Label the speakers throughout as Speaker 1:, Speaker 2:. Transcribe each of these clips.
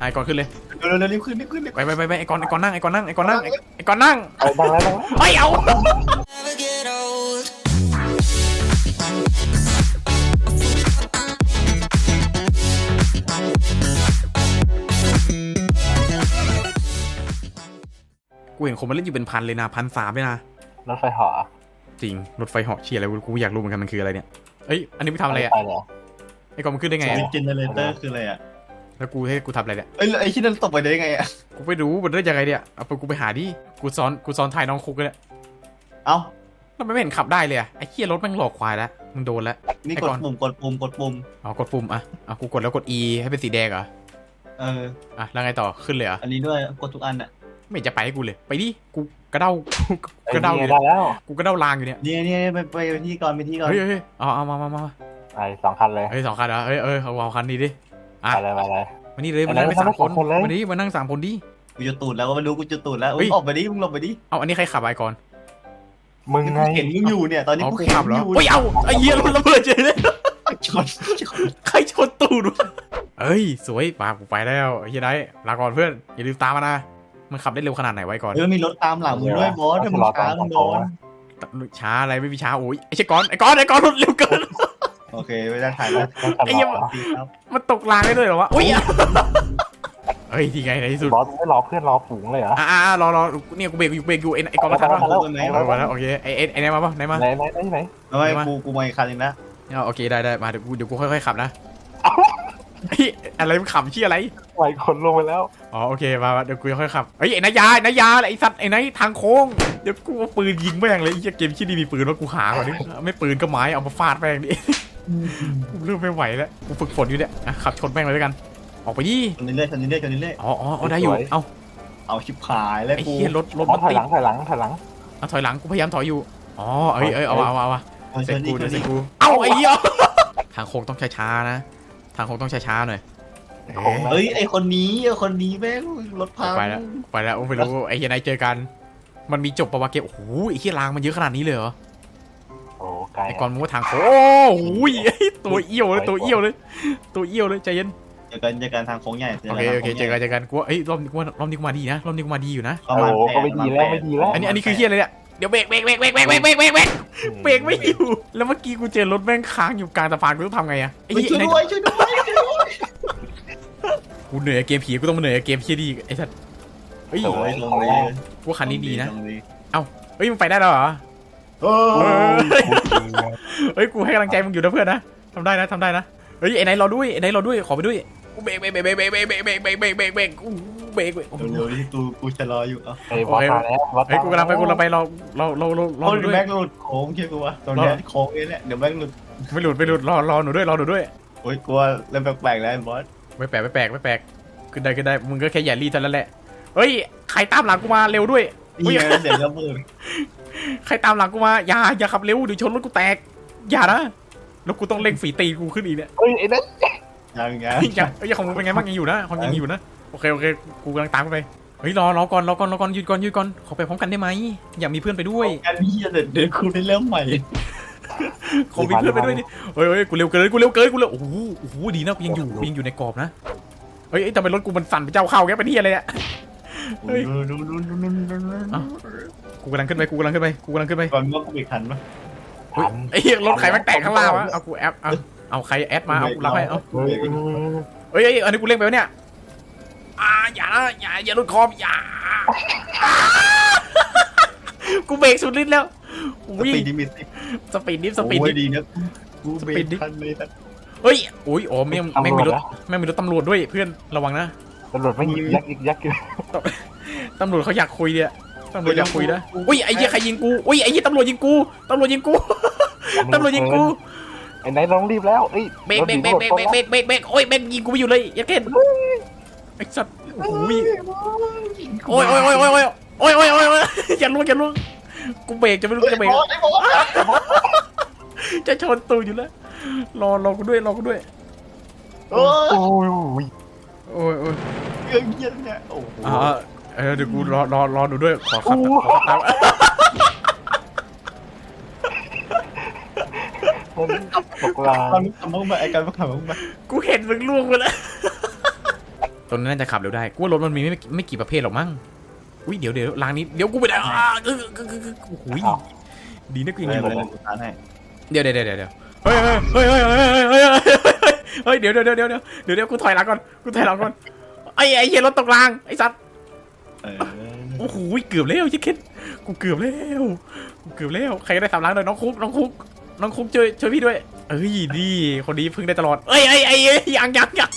Speaker 1: ไอ้ก่อนขึ้นเลย
Speaker 2: เร็วรีบขึ้น
Speaker 1: ไปไอ้ก่อนนั่งไอ้ก่อนนั่ง
Speaker 3: เอาดังแล้ว
Speaker 1: เฮ้ยเอากูเห็นคนมาเล่นอยู่เป็นพันเลยนะ1,300เลยนะ
Speaker 3: รถไฟเหาะ
Speaker 1: จริงรถไฟเหาะเชียอะไรกูอยากรู้เหมือนกันมันคืออะไรเนี่ยเอ้ยอันนี้ไม่ทำอะไรอ่ะไอ้ก่อนมันขึ้นได้ไง
Speaker 2: เจเนเรเตอร์คืออะไรอ่ะ
Speaker 1: แล้วกูให้กูทำอะไรเนี่ย
Speaker 2: ไอ้ที่นั่นตกไปได้ไงอ่ะ
Speaker 1: กูไปรู้มันได้ยังไงเนี่ยเอาไปกูไปหาดิกูซ้อนถ่ายน้องคุกเลย
Speaker 2: เอ้า
Speaker 1: ทำไมไม่เห็นขับได้เลยอ่ะไอ้เคียรถแม่งหลอกควายแล้วมึงโดนแล้ว
Speaker 2: นี่กดปุ่ม
Speaker 1: อ๋อกดปุ่มอ่ะกูกดแล้วกด E ให้เป็นสีแดงเหรออ่ะแล้วไงต่อขึ้นเลยเหรอ
Speaker 2: อันนี้ด้วยกดทุกอันอ่ะ
Speaker 1: ไม่จะไปให้กูเลยไปดิกูกระเด้อยู่
Speaker 3: แล้ว
Speaker 1: กูกระเด้าลางอยู่เนี่ย
Speaker 2: นี่ไปที่ก่อน
Speaker 1: เฮ้ยเอามา
Speaker 3: ไอ้2 คันเลย
Speaker 1: เฮ้ย2 คันเหรอเอาคันนี้ดิ
Speaker 3: อ่ะอะไร
Speaker 1: มานี่เลยมานั่งไป3 คนมาดิมานั่ง3 คนดิ
Speaker 2: กูจะตูดแล้วก็ไม่รู้กูจะตูดแล้วออกไปดิมึงหลบไปดิ
Speaker 1: เอาอันนี้ใครขับไอ้ก่อน
Speaker 3: มึงไง
Speaker 2: เห็นมึงอยู่เนี่ยตอนนี้กู
Speaker 1: ขับแล้วเฮ้ยเอาไอ้เหี้ยรถระเบิดเฉยเลยใครชนตูดวะเอ้ยสวยป่ากูไปแล้วเฮียได้ลาก่อนเพื่อนอย่าลืมตามมานะมันขับได้เร็วขนาดไหนไว้ก่อน
Speaker 2: มีรถตามหลังมึงด้วยบอสถ้ามึงช้ามึงโดน
Speaker 1: ช้าอะไรไม่มีช้าโอ้ยไอ้ก่อนรถเร็วเกิน
Speaker 2: โอเคไม่ได้ถ่ายแล้ว
Speaker 1: ไอ้เหี้ยมันตกรางได้ด้วยเหรอวะอุ้ยเฮ้ยที่ไงในที่สุด
Speaker 3: บอสไม่รอเพื่อนรอฝูงเลยเหรอ
Speaker 1: รอเนี่ยกูเบรกอยู่ไอ้ก่อนมาทันป่ะมาแล้วโอเคไอ้ไหนมาป่ะไหน
Speaker 2: ไม่กูมาอีกคันนึงนะ
Speaker 1: โอเคได้มาเดี๋ยวกูค่อยๆขับนะอะไรมันขำชี้อะไร
Speaker 3: ไหวคนลงไปแล้ว
Speaker 1: อ๋อโอเคมาเดี๋ยวกูค่อยขับไอ้นายาไอ้สัตว์ไอ้นายทางโค้งเดี๋ยวกูเอาปืนยิงแม่งเลยไอ้เกมที่นี่มีปืนว่ากูหาก่อนดิไม่ปืนก็ไม้เอามาฟาดแม่งดิกูเริ่มไม่ไหวแล้วกูฝึกฝนอยู่เนี่ยขับชนแม่งเลยด้วยกันออกไปดิ
Speaker 2: ชนเรื่อย
Speaker 1: อ๋อได้อยู่
Speaker 2: เอาชิบหายแล้ว
Speaker 1: กูไอ้เหี้ยรถมัน
Speaker 3: ติดถอยหลัง
Speaker 1: เอาถอยหลังกูพยายามถอยอยู่อ๋อเอาเสร็จกูเอาไอ้เหี้ยทางโค้งต้องช้าๆนะทางโค้งต้องช้าๆหน่อย
Speaker 2: เฮ้ยไอคนนี้แม่งรถพัง
Speaker 1: ไปแล้วไม่รู้ไอ้เฮียนายเจอกันมันมีจบปะวะเกมโอ้โหไอ้เฮียรางมันเยอะขนาดนี้เลยเหรอ
Speaker 3: โอ้ไกล
Speaker 1: ไอ้ก่อนมึงว่าทางโอ้โหตัวเอี้ยวเลยใจเย็น
Speaker 2: เจอกันทางโค้งใหญ่
Speaker 1: โอเคเจอกันกูไอ้รอบนี้กูมาดีนะรอบนี้กูมาดีอยู่นะ
Speaker 3: โอ้ก็ไม่ดีแล้ว
Speaker 1: อันนี้คือเฮียอะไรเนี่ยเดี๋ยวเบรกไม่อยู่แล้วเมื่อกี้กูเจอรถแม่งค้างอยู่กลางสะพานกูต้องทำไงอะ
Speaker 2: ช่วยด้วย
Speaker 1: กูเหนื่อยเกมผีกูต้องมาเหนื่อยเกมเฮียดีไอ้สัสเฮ้ยกูคันนี้ดีนะเอ้าเฮ้ยมึงไปได้แล้วเหรอเฮ้ยกูให้กำลังใจมึงอยู่นะเพื่อนนะทำได้นะเฮ้ยไอ้ไหนรอด้วยขอไปด้วยกูเบรกเ
Speaker 2: ร็วกูจะรออยู่
Speaker 3: เฮ้ยกู
Speaker 1: กำลังไปรอ
Speaker 2: ด้วยแบงค์หลุดโค้งเชื่อกูวะตรงนี้โค้งนี่แหละเดี๋ยวแบงค์หลุด
Speaker 1: ไม่หลุดรอหนูด้วย
Speaker 2: โอ้ยกลัวเริ่มแปลกแล้วบอส
Speaker 1: ไม่แปลกขึ้นได้มึงก็แค่อย่ารีเท่านั้นแหละเฮ้ยใครตามหลังกูมาเร็วด้วย
Speaker 2: เดี๋ยวระเบิด
Speaker 1: ใครตามหลังกูมาอย่าขับเร็วเดี๋ยวชนรถกูแตกอย่านะแล้วกูต้องเร่งฝีตีกูขึ้นอีกเนี่ย
Speaker 3: เฮ้ยไอ้นั่น
Speaker 1: ยังของมึงเป็นไงบ้างยังอยู่นะโอเคกูกำลังตามไปเฮ้ยรอก่อนยืนก่อนขอไปพร้อมกันได้ไหมอยากมีเพื่อนไปด้วย
Speaker 2: กันพี่เดี๋ยวกูได้เริ่มใหม่
Speaker 1: ขอมีเพื่อนไปด้วยดิเฮ้ยกูเร็วเกินโอ้โหดีนะกูยังอยู่ในกรอบนะเฮ้ยแต่เป็นรถกูมันสั่นไปเจ้าเข้าแกเป็นที่อะไรเนี่ยเฮ้ยกูกำลังขึ้นไป
Speaker 2: ก่อนว่ากูอีกทันปะ
Speaker 1: ไอ้รถใครแม่งแตกข้างล่างวะเอากูแอปเอาใครแอดมาเอากูรับให้เอาเฮ้ยอันนี้กูเล่นไปวะเนี่ยอย่าหลุดคอมอย่ากูเบรกสุดฤทธิ์แล้ว
Speaker 2: วิ่ง
Speaker 1: สปีดดิฟ
Speaker 2: ดีนะกูเบรกทันเลย
Speaker 1: เฮ้ยอ๋อแม่งมีรถตำรวจด้วยเพื่อนระวังนะ
Speaker 3: ตำรวจไม่ยิงยักอยู่
Speaker 1: ตำรวจเขาอยากคุยเนี่ยตำรวจอยากคุยนะอุ้ยไอ้เหี้ยใครยิงกูอุ้ยไอ้เหี้ยตำรวจยิงกูไ
Speaker 3: อ้ไหนลองรีบแล้วเอ้ย
Speaker 1: เบรกโอ้ยแม่งยิงกูไม่อยู่เลยยัดเข็นไอ้สัตว์โอ้ยอย่าล่วงกูเบรกจะไม่รู้จะเบรกจะชนตูอยู่แล้วรอกูด้วย
Speaker 3: โอ้ย
Speaker 2: เยอะเนี่ยโอ้โห
Speaker 1: เดี๋ยวกูรอดูด้วยขอขับตาม
Speaker 2: ทำมึงมาไอ้การทำมึงมา
Speaker 1: กูเห็นมึงล่วงไปแล้วตัวนี้น่าจะขับเร็วได้กูว่ารถมันมีไม่กี่ประเภทหรอกมั้งอุ้ยเดี๋ยวรางนี้เดี๋ยวกูไปได้โอ้โหดีนะกูยัง
Speaker 2: เล
Speaker 1: อย ยู่
Speaker 2: เลยกูทานให้
Speaker 1: เดี๋ยวเฮ้ยเดี๋ยวกูถอยหลังก่อนไอ้เหี้ยรถตกรางไอ้สัตว์โอ้โหเกือบแล้วชิคเก้นกูเกือบแล้วใครได้3 ล้างเลยน้องคุกช่วยพี่ด้วยเอ้ยดีคนนี้พึ่งได้ตลอดเอ้ยยัง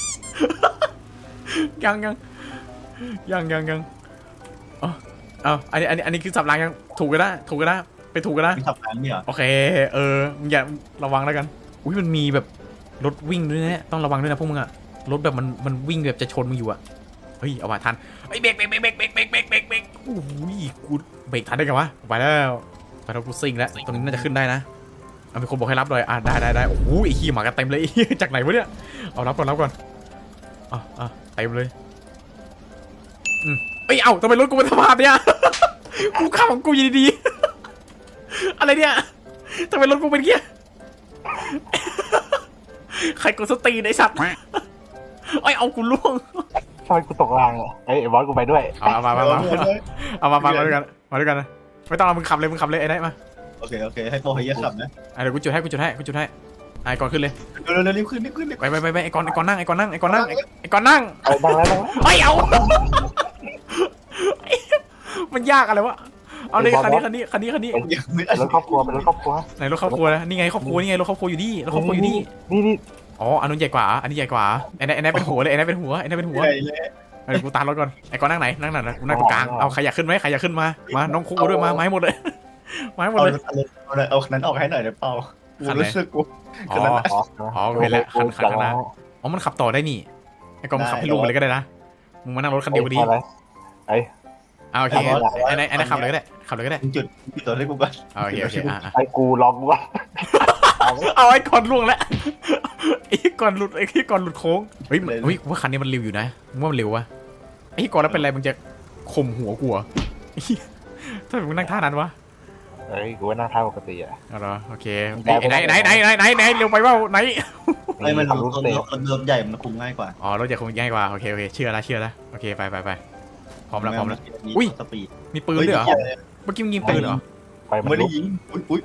Speaker 1: อันนี้คือสับรางยังถูกกันนะไปถูกกันนะ
Speaker 2: มีขับร้านเนี่ย
Speaker 1: โอเคมึงอย่าระวังแล้วกันอุ้ยมันมีแบบรถวิ่งด้วยนะต้องระวังด้วยนะพวกมึงอะรถแบบมันวิ่งแบบจะชนมึงอยู่อะเฮ้ยเอามาทันเฮ้ยเบรกโอ้โหกูเบรกทันได้ไงวะไปแล้วกูซิ่งแล้วตรงนี้น่าจะขึ้นได้นะเอามีคนบอกให้รับเลยได้โอ้โหไอ้ขี้หมากันเต็มเลย จากไหนวะเนี่ยเอารับก่อนเต็มเลยเอ้ยทำไมรถกูเป็นสภาพเนี่ย กูขับของกูอยู่ดีๆอะไรเนี่ยทำไมรถกูเป็นเงี้ย ใครกดสตีนไอ้สัตว์เอากูล่วง
Speaker 3: ทำไมกูตกรางอ่ะไอ้บอสกูไปด้วย
Speaker 1: เอามาด้วยกันนะไม่ต้องเอามึงขับเลยไอ้ไหนมา
Speaker 2: โอเคให้โปรให้เยอะขับนะ
Speaker 1: เดี๋ยวกูจุดให้ไอ้ก่อนขึ้นเลย
Speaker 2: เร็วรีบขึ้น
Speaker 1: ไปไอ้ก่อนนั่ง
Speaker 3: เอาดังแล้ว
Speaker 1: เอามันยากอะไรวะเอาเลยคันนี้
Speaker 2: ยังไม่
Speaker 3: รถครอบครัวเป็นรถครอบครัว
Speaker 1: ไหนรถครอบครัวนะนี่ไงครอบครัวนี่ไงรถครอบครัวอยู่นี่
Speaker 3: นี่
Speaker 1: อ๋ออันนู้นใหญ่กว่าอันนี้ใหญ่กว่าไอ้นั่นเป็นหัวเลยไอ้นั่นเป็นหัว
Speaker 2: ใหญ่เลย
Speaker 1: เดี๋ยวกูตามรถก่อนไอ้ก่อนนั่งไหนนั่งไหนกูนั่งตรงกลางเอาใครอยากขึ้นไหมใครอยากขึ้นมาน้องคุกด้วยมาให้หมดเลย
Speaker 2: เอานั้นออกให้หน่อยเดี๋ยวเปล่ากูรู้สึกกู
Speaker 1: อ๋อเห็นแล้วคันข้างหน้าอ๋อมันขับต่อได้นี่ไอ้ก่อนมันขับให้ลุงไปเลยก็ได้นะมึงมานั่งรถคันเดียวดีโอเคไอ้นั่นขับเลยก็ได้
Speaker 2: จุดตัวให้กูก่อน
Speaker 1: โอเค
Speaker 3: ไอ้กูล็อกกูว่า
Speaker 1: เอาไอ้ก่อนล่วงแล้วไอ้ก่อนหลุดโค้งเฮ้ยว่าคันนี้มันเร็วอยู่นะมึงว่ามันเร็ววะไอ้ก่อนแล้วเป็นไรมึงจะข่มหัวกูถ้ามึงนั่งท่านั้นวะ
Speaker 3: เฮ้ยกูว่านั่งท่าปกติอ่ะ
Speaker 1: เอาเหรอโอเคไหนเร็วไปว่าไหน
Speaker 2: มันรถใหญ่มันคุมง่ายกว่า
Speaker 1: อ๋อรถใหญ่คงง่ายกว่าโอเคเชื่อแล้วโอเคไปพร้อมแล้ว
Speaker 2: สปีด
Speaker 1: มีปืนด้วยเหรอเมื่อกี้มึงยิงปืนเหรอ
Speaker 3: ไปมัน
Speaker 2: ไม่ได้ยิงอุ้ย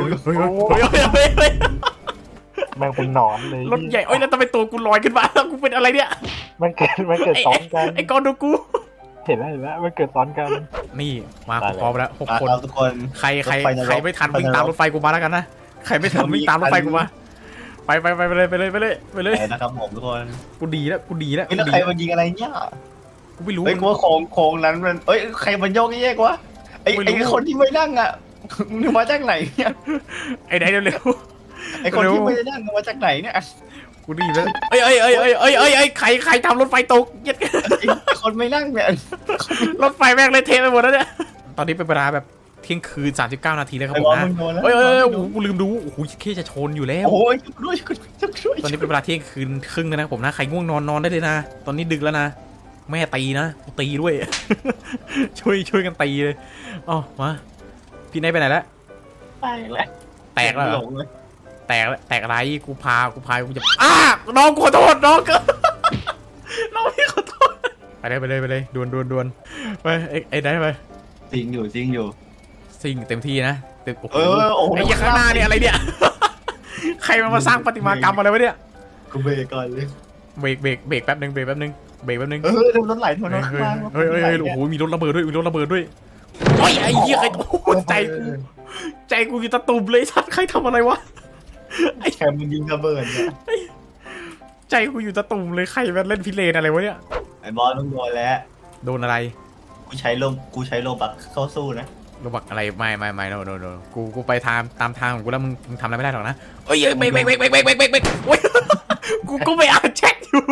Speaker 3: แม่งเป็นหนอนเลย
Speaker 1: รถใหญ่แล้วทำไมตัวกูลอยขึ้นมาแล้วกูเป็นอะไรเนี่ย
Speaker 3: มันเกิดซ้อนกัน
Speaker 1: ไอ้กอนดูกู
Speaker 3: เห็นแล้วมันเกิดซ้อนกัน
Speaker 1: นี่มาพร้อมแล้ว6 คน
Speaker 2: ทุกคน
Speaker 1: ใครไม่ทันวิ่งตามรถไฟกูมาแล้วกันนะใครไม่ทันวิ่งตามรถไฟกูมาไปเลย
Speaker 2: นะครับผมทุกคน
Speaker 1: กูดีแล้ว
Speaker 2: ไม่แล้วใครมันยิงอะไรเนี่ย
Speaker 1: กูไม่รู้
Speaker 2: เฮ้ยกูว่าโค้งนั้นมันใครมันโยกแยกวะไอ้คนที่ไม่นั่งอ่ะมึงมาจากไหนเนี่ย
Speaker 1: ไอ้ไหนเร็ว
Speaker 2: ไอ้คนที่ไม่ได้นั่งมาจากไหนเนี่ย
Speaker 1: กูดีแล้วใครทำรถไฟตกเย็ด
Speaker 2: ไอ้คนไม่นั่งเนี่ย
Speaker 1: รถไฟแม่งเลยเทไปหมดแล้วเนี่ยตอนนี้เป็นเวลาแบบเที่ยงคืน39 นาทีแล้วครับผมนะกูลืมดูโอ้โหแค่จะชนอยู่แล้ว
Speaker 2: โอ้ยด้วย
Speaker 1: ตอนนี้เป็นเวลาเที่ยงคืนครึ่งแล้วนะผมนะใครง่วงนอนได้เลยนะตอนนี้ดึกแล้วนะแม่ตีนะตีด้วย ช่วยกันตีเลยอ๋อมาพี่นายไปไหนแล้วแตกแล้วแตกอะไรกูพากูจะน้องขอโทษน้องก็น้องพี่ขอโทษไปเลยดวนไปไอ้ได้ไป
Speaker 2: ซิงอยู่
Speaker 1: ซิงเต็มที่นะเต็มโอ้โห
Speaker 2: ไอ้
Speaker 1: ไอ้ข้างหน้านี่อะไรเนี่ยใครมาสร้างประติมากรรมอะไรวะเนี่ย
Speaker 2: กูเบรกก่อนเลย
Speaker 1: เบรกแป๊บนึง
Speaker 2: รถไหลถนนข้างล่าง
Speaker 1: เฮ้ยโอ้โหมีรถระเบิดด้วยโอ้ยไอ้เหี้ยใครใจกูอยู่ตะตุ่มเลยสัตว์ใครทำอะไรวะ
Speaker 2: ไอ้แคมมันยิงระเบิดเนี่ย
Speaker 1: ใจกูอยู่ตะตุ่มเลยใครมาเล่นพิเรนอะไรวะเนี่ย
Speaker 2: ไอ้บอลต้องโดนแล้ว
Speaker 1: โดนอะไร
Speaker 2: กูใช้โลบักเข้าสู้นะ
Speaker 1: โลบักอะไรไม่โนกูไปตามทางของกูแล้วมึงทำอะไรไม่ได้หรอกนะเอ้ยเบรกโอ้ยกูไปอ่านแชทอยู่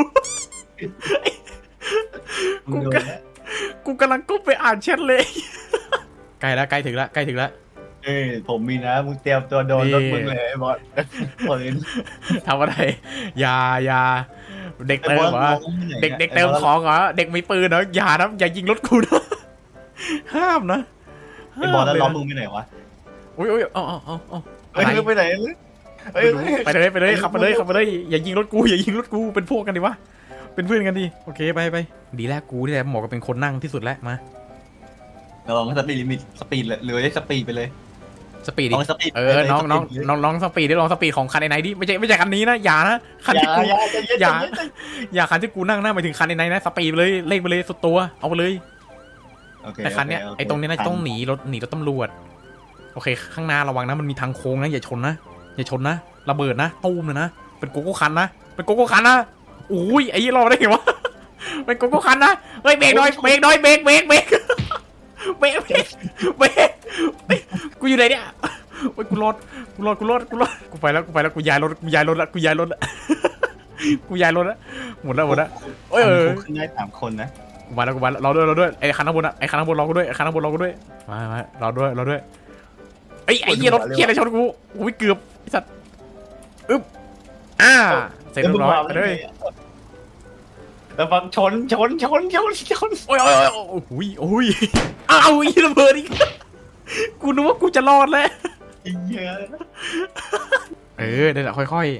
Speaker 1: กูกำลังก้มไปอ่านแชทเลยใกล้ถึงแล้ว
Speaker 2: ผมมีนะมึงเตรียมตัวโดนรถมึงเลยไอ้บอส
Speaker 1: ทำอะไรอย่าเด็กเติมเหรอเด็กเติมของเหรอเด็กมีปืนเหรออย่านะอย่ายิงรถกูนะห้ามนะ
Speaker 2: ไอ้บอสแล้วล้อมึงไปไหนวะ
Speaker 1: อุ้ยอ๋อ
Speaker 2: ไปไหน
Speaker 1: ไปเลยขับไปเลยอย่ายิงรถกูเป็นพวกกันดิวะเป็นเพื่อนกันดิโอเคไปดีแล้วกูนี่แหละเหมาะกับเป็นคนนั่งที่สุดแล้วมา
Speaker 2: เราลองสปีดลิมิตสปีดเลยสปีดไปเลย
Speaker 1: สปีด
Speaker 2: ล
Speaker 1: ดิ
Speaker 2: องสปีด
Speaker 1: น้องสปีดดิลองสปีดของคันไหนดิไม่ใช่คันนี้นะอย่านะคันที่กู อย่า อย่าคันที่กูนั่งหน้าไปถึงคันไหนนะสปีดไปเลยเร่งไปเลยสุดตัวเอาไปเลยแต่คันเนี้ยไอ้ตรงนี้น่าจะต้องหนีรถตำรวจโอเคข้างหน้าระวังนะมันมีทางโค้งนะอย่าชนนะระเบิดนะตู้มเลยนะเป็นโกโก้คันนะอุ้ยไอ้ยี่รอได้ไงวะเป็นโกโก้คันนะเฮ้ยเบรกหน่อยเบรกกูอยู่ไหนเนี่ยโอ้ยกูรอดกูไปแล้วกูย้ายรถละกูย้ายรถละหมดแล้วโอ้ย
Speaker 2: ขึ้นได้3 คนนะ
Speaker 1: กูมาแล้วเราด้วยไอ้คันข้างบนรอกูด้วยมาเราด้วยไอ้เหี้ยรถเหี้ยอะไรชนกูโอ้ยเกือบไอ้สัตว์เสร็จเรียบร้อยไปเลย
Speaker 2: แล้วฟังชน
Speaker 1: โอ้ยอ้าวอีระเบิดอีกกูนึกว่ากูจะรอดแล้ว
Speaker 2: เยอะ
Speaker 1: ได้แหละค่อย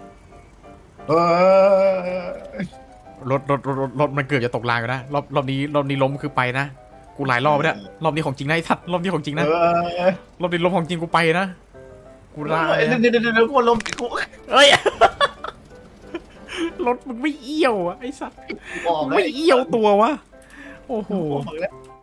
Speaker 1: ๆรถมันเกือบจะตกรางอยู่นะรอบนี้ล้มคือไปนะกูหลายรอบแล้วรอบนี้ของจริงนะไอ้สัตว์รอบนี้ของจริงนะรอบนี้ล้มของจริงกูไปนะกูลา
Speaker 2: เดี๋ยวคนลมกู
Speaker 1: เอ้ยรถมึงไม่เอี้ยวอะไอ้สัตว์
Speaker 2: บอก
Speaker 1: ไม่เอี้ยวตัววะโอ้โห
Speaker 2: บอกแล้ว